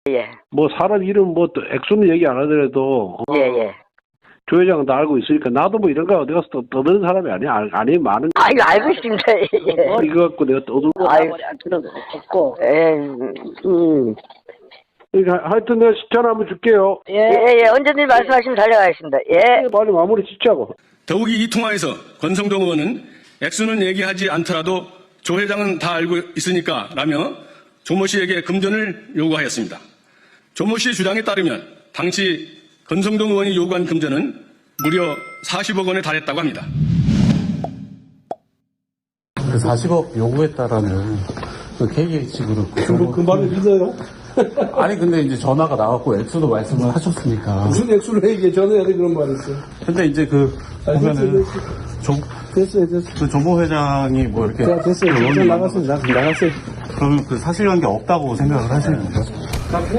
예. 뭐 사람 이름 뭐 또 액수는 얘기 안 하더라도 예. 조 회장은 다 알고 있으니까 나도 뭐 이런 거 어디 가서 떠드는 사람이 아니야. 아니 많은 거. 이거 알고 있습니다. 예. 이거 갖고 내가 떠들고 아이고. 할 필요는 없고. 예. 그러니까 하여튼 내가 전화 한번 줄게요. 예. 언제든지 말씀하시면 달려가겠습니다. 예. 빨리 마무리 짓자고. 더욱이 이 통화에서 권성동 의원은 액수는 얘기하지 않더라도 조 회장은 다 알고 있으니까 라며 조모 씨에게 금전을 요구하였습니다. 조모 씨의 주장에 따르면 당시 권성동 의원이 요구한 금전은 무려 40억 원에 달했다고 합니다. 그 40억 요구했다라는 그 KH그룹. 그 말을 믿어요? 아니, 근데 이제 전화가 나왔고 액수도 말씀을 하셨으니까. 무슨 액수를 얘기해? 전화해야 돼, 그런 말이 있어. 근데 이제 보면은, 됐어요. 그 조모 회장이 뭐 이렇게. 자, 됐어요. 의원이 나갔어요. 나갔어요. 그러면 그 사실관계 없다고 생각을 하시는 거죠?